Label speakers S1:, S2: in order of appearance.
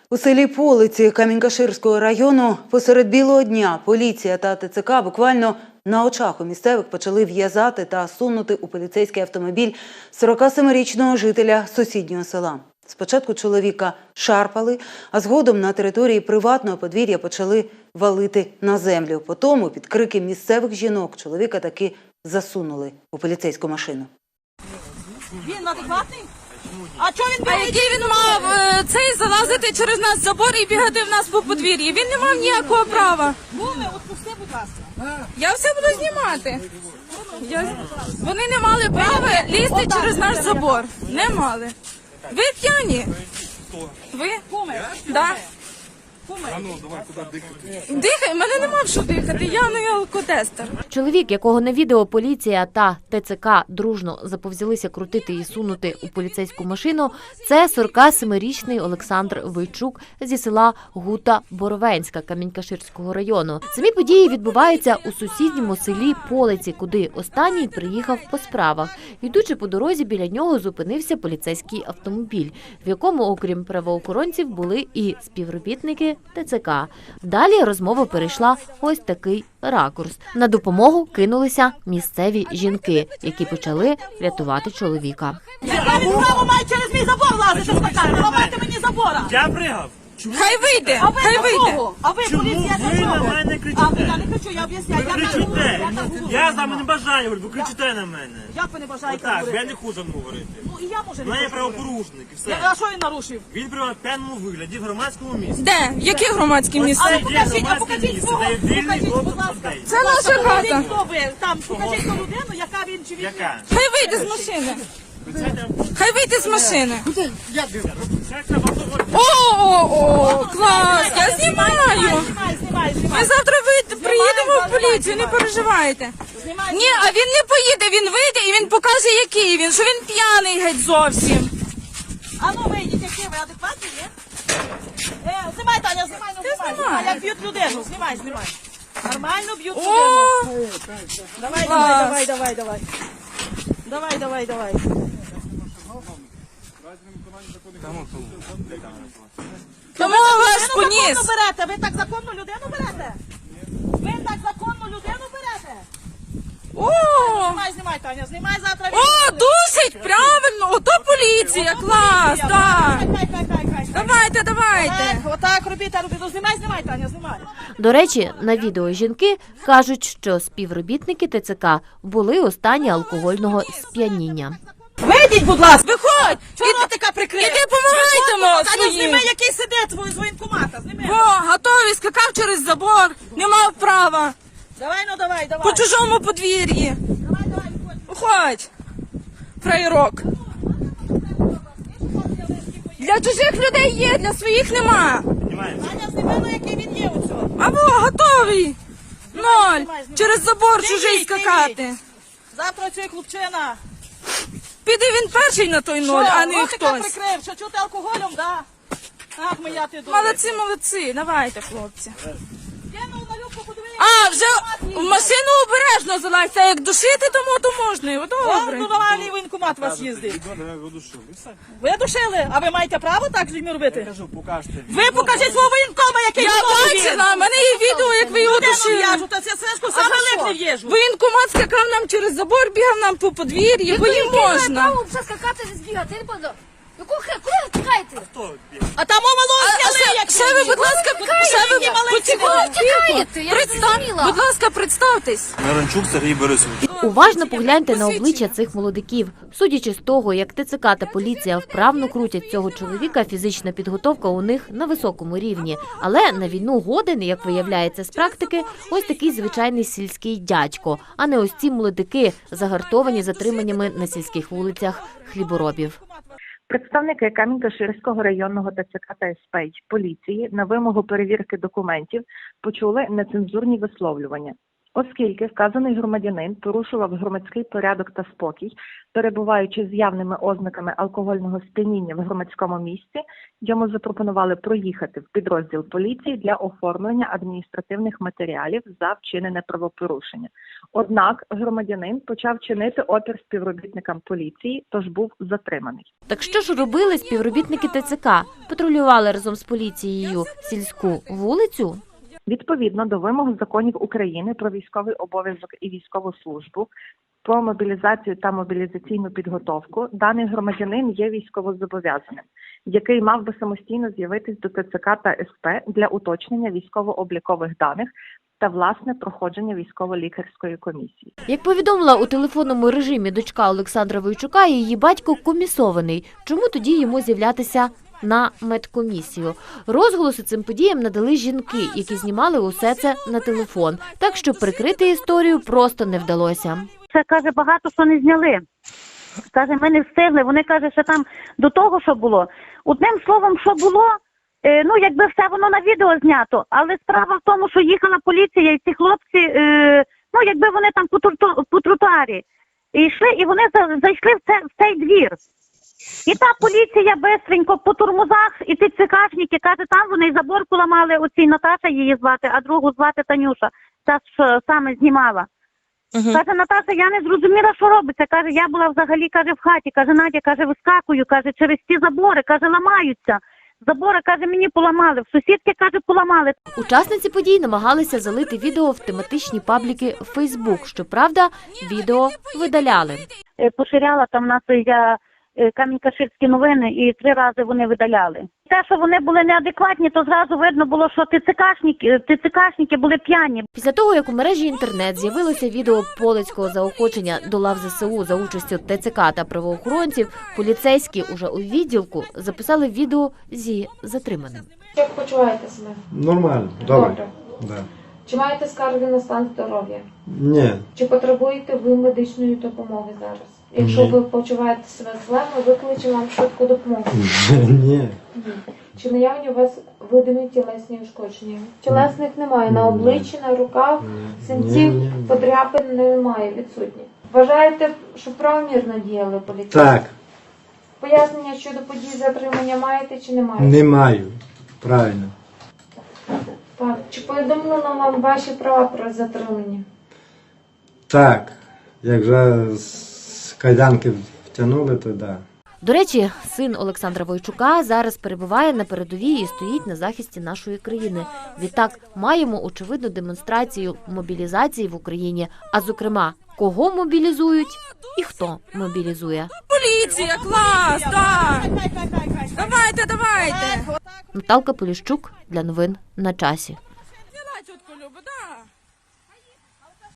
S1: У селі Полиці Камінь-Каширського району посеред білого дня поліція та ТЦК буквально на очах у місцевих почали в'язати та сунути у поліцейський автомобіль 47-річного жителя сусіднього села. Спочатку чоловіка шарпали, а згодом на території приватного подвір'я почали валити на землю. Потім під крики місцевих жінок чоловіка таки засунули у поліцейську машину.
S2: Він адекватний? А чого він бігає?
S3: А який він мав залазити через нас забор і бігати в нас по подвір'ї? Він не мав ніякого права.
S2: Буми, отпусти, будь ласка.
S3: Я все буду знімати. Вони не мали права лізти через наш забор. Не мали. Ви п'яні? Ви? Да.
S4: А ну, давай, куди дихати?
S3: Дихай, мене нема в що дихати, я не алкотестер.
S5: Чоловік, якого на відео поліція та ТЦК дружно заповзялися крутити і сунути у поліцейську машину, це 47-річний Олександр Войчук зі села Гута Боровенська Камінь-Каширського району. Самі події відбуваються у сусідньому селі Полиці, куди останній приїхав по справах. Йдучи по дорозі, біля нього зупинився поліцейський автомобіль, в якому, окрім правоохоронців, були і співробітники ТЦК. Далі розмова перейшла ось такий ракурс. На допомогу кинулися місцеві жінки, які почали рятувати чоловіка.
S2: Яка він право має через мій забор лазити з таками? Ламайте мені забора.
S4: Я пригав.
S3: Хай вийде,
S2: А ви
S3: хай
S2: до
S3: вийде.
S2: кого? А ви
S4: Чому
S2: поліція
S4: ви
S2: до
S4: на
S2: чого?
S4: мене
S2: А
S4: кричите?
S2: я не кричу, я об'ясняю.
S4: Ви кричите. Я з вами не бажаю, ви кричите на мене.
S2: Як ви не бажаєте
S4: Так,
S2: говорити?
S4: я не хочу говорити.
S2: Ну і я може
S4: У
S2: не
S4: мене є
S2: хочу говорити.
S4: правопорушник і
S2: А
S4: все.
S2: що він нарушив?
S4: Він при п'яному вигляді в громадському місці.
S3: Де? Які громадські місця?
S2: А
S4: Це
S2: ну
S4: є
S2: покажіть, а
S4: громадське
S2: покажіть
S4: місце,
S2: свого.
S4: де є вільний
S2: Покажіть,
S4: доступ
S2: будь ласка.
S4: людей.
S3: Це наша
S2: Покажіть,
S3: хата.
S2: хто ви. Там, покажіть ту людину, яка він чи він.
S4: Яка?
S3: Хай вийде з машини. Хай вийде з машини. О, клас, я знімаю.
S2: Знімай.
S3: Ми завтра приїдемо в поліцію, не переживайте. Ні, а він не поїде, він вийде і він покаже, який він, що він п'яний геть зовсім.
S2: А ну вийдіть, які ви адекватні, є? Знімай, Таня, знімай, ну знімай. Знімай, як б'ють людину. Знімай. Нормально б'ють людину.
S3: О,
S2: Давай.
S3: тому вас
S2: Ви
S3: поніс.
S2: законно берете, ви так законну людину берете? Ви так законну людину берете?
S3: О,
S2: Знімай, Таня, знімай завтра.
S3: о, душить, правильно, ото поліція, клас, так. Давайте.
S2: Отак робіть. Ну, знімай, Таня, знімай.
S5: До речі, на відео жінки кажуть, що співробітники ТЦК були у стані алкогольного сп'яніння.
S2: Вийдіть, будь ласка.
S3: Виходь,
S2: Чого ротика прикрив?
S3: іди помагайте нам
S2: Таня,
S3: своїм.
S2: зніми, який сидить з воєнкомата, зніми.
S3: О, готовий, скакав через забор, не мав права,
S2: Давай.
S3: по чужому подвір'ї.
S2: Давай, виходь.
S3: Виходь, фраєрок. Для чужих людей є, для своїх нема.
S2: Таня, зніми, ну, який він є у цього.
S3: Або готовий. Ноль.
S2: знімай.
S3: Через забор
S2: Ти
S3: чужий
S2: їдь, ти
S3: скакати.
S2: Завтра цей хлопчина.
S3: Піде він перший на той ноль, а не
S2: ротика
S3: хтось.
S2: прикрив, що чути алкоголем, да? Ах, моя ти дура.
S3: Молодці, давайте, хлопці.
S2: Кинув на любку, подивись.
S3: А, вже в машину обережно залазьте, а як душити, то можна. О, добре.
S2: Нормальний воєнкомат вас їздить. Ви душили? А ви маєте право так з людьми робити? Ви покажіть свого воєнкома, який
S3: Я
S2: виходить він.
S3: бачила, в мене є відео, як ви його
S2: Людину
S3: душили.
S2: в'яжу, та це сишку саме липне в'їжу.
S3: Воєнкомат скакав нам через забор, бігав нам по подвір'ї, бо їм можна.
S6: Право вже скакати не збігати, я не пам'ятаю. Куди ви тікаєте?
S2: А там мало зняли, як
S3: Ще ви, будь ласка,
S6: Тікаєте, я не зрозуміла.
S3: Будь ласка, представтесь.
S4: Наранчук Сергій Борисович.
S5: Уважно погляньте на обличчя цих молодиків. Судячи з того, як ТЦК та поліція вправно крутять цього чоловіка, фізична підготовка у них на високому рівні. Але на війну годен, як виявляється з практики, ось такий звичайний сільський дядько, а не ось ці молодики, загартовані затриманнями на сільських вулицях хліборобів.
S7: Представники Камінь-Каширського районного ТЦК та СП поліції на вимогу перевірки документів почули нецензурні висловлювання. Оскільки вказаний громадянин порушував громадський порядок та спокій, перебуваючи з явними ознаками алкогольного сп'яніння в громадському місці, йому запропонували проїхати в підрозділ поліції для оформлення адміністративних матеріалів за вчинене правопорушення. Однак громадянин почав чинити опір співробітникам поліції, тож був затриманий.
S5: Так що ж робили співробітники ТЦК? Патрулювали разом з поліцією сільську вулицю?
S7: Відповідно до вимог законів України про військовий обов'язок і військову службу, про мобілізацію та мобілізаційну підготовку, даний громадянин є військовозобов'язаним, який мав би самостійно з'явитись до ТЦК та СП для уточнення військово-облікових даних та власне проходження військово-лікарської комісії.
S5: Як повідомила у телефонному режимі дочка Олександра Войчука, її батько комісований. Чому тоді йому з'являтися на медкомісію? Розголоси цим подіям надали жінки, які знімали усе це на телефон. Так що прикрити історію просто не вдалося.
S8: Це, каже, багато що не зняли. Каже, ми не встигли. Вони, каже, що там до того, що було. Одним словом, що було, ну, якби все воно на відео знято. Але справа в тому, що їхала поліція і ці хлопці, ну, якби вони там по тротуарі йшли, і вони зайшли в цей двір. І та поліція бистренько по турмузах, і ті цикашники, каже, там вони забор поламали, оцій Наташа її звати, а другу звати Танюша, та що саме знімала. Каже, Наташа, я не зрозуміла, що робиться. Каже, я була взагалі, каже, в хаті. Каже, Надя, каже, вискакую, каже, через ті забори, каже, ламаються. Забори, каже, мені поламали, в сусідки, каже, поламали.
S5: Учасниці подій намагалися залити відео в тематичні пабліки Facebook. Щоправда, відео видаляли.
S8: Поширяла там нас я Камінь-Каширські новини, і 3 рази вони видаляли. Те, що вони були неадекватні, то зразу видно було, що ТЦКшники були п'яні.
S5: Після того, як у мережі інтернет з'явилося відео полицького заохочення до лав ЗСУ за участю ТЦК та правоохоронців, поліцейські уже у відділку записали відео зі затриманим.
S9: Як почуваєте себе?
S10: Нормально, добре. Да.
S9: Чи маєте скарги на стан здоров'я?
S10: Ні.
S9: Чи потребуєте ви медичної допомоги зараз? Якщо ви почуваєте себе зле, ми викличемо вам швидку допомогу.
S10: Ні.
S9: Чи наявні у вас видимі тілесні ушкодження? Тілесних немає, на обличчі, на руках, синців, подряпин немає, відсутні. Вважаєте, що правомірно діяли поліцейські?
S10: Так.
S9: Пояснення щодо подій затримання маєте чи не маєте?
S10: Не маю. Правильно.
S9: Так. Чи повідомлено вам ваші права про затримання?
S10: Так. Як вже з кайданки втягнули, то да.
S5: До речі, син Олександра Войчука зараз перебуває на передовій і стоїть на захисті нашої країни. Відтак, маємо очевидну демонстрацію мобілізації в Україні, а зокрема, кого мобілізують і хто мобілізує.
S3: Поліція, клас, так! Давайте!
S5: Наталка Поліщук для новин на часі.
S3: Діла, тітко Люба, да.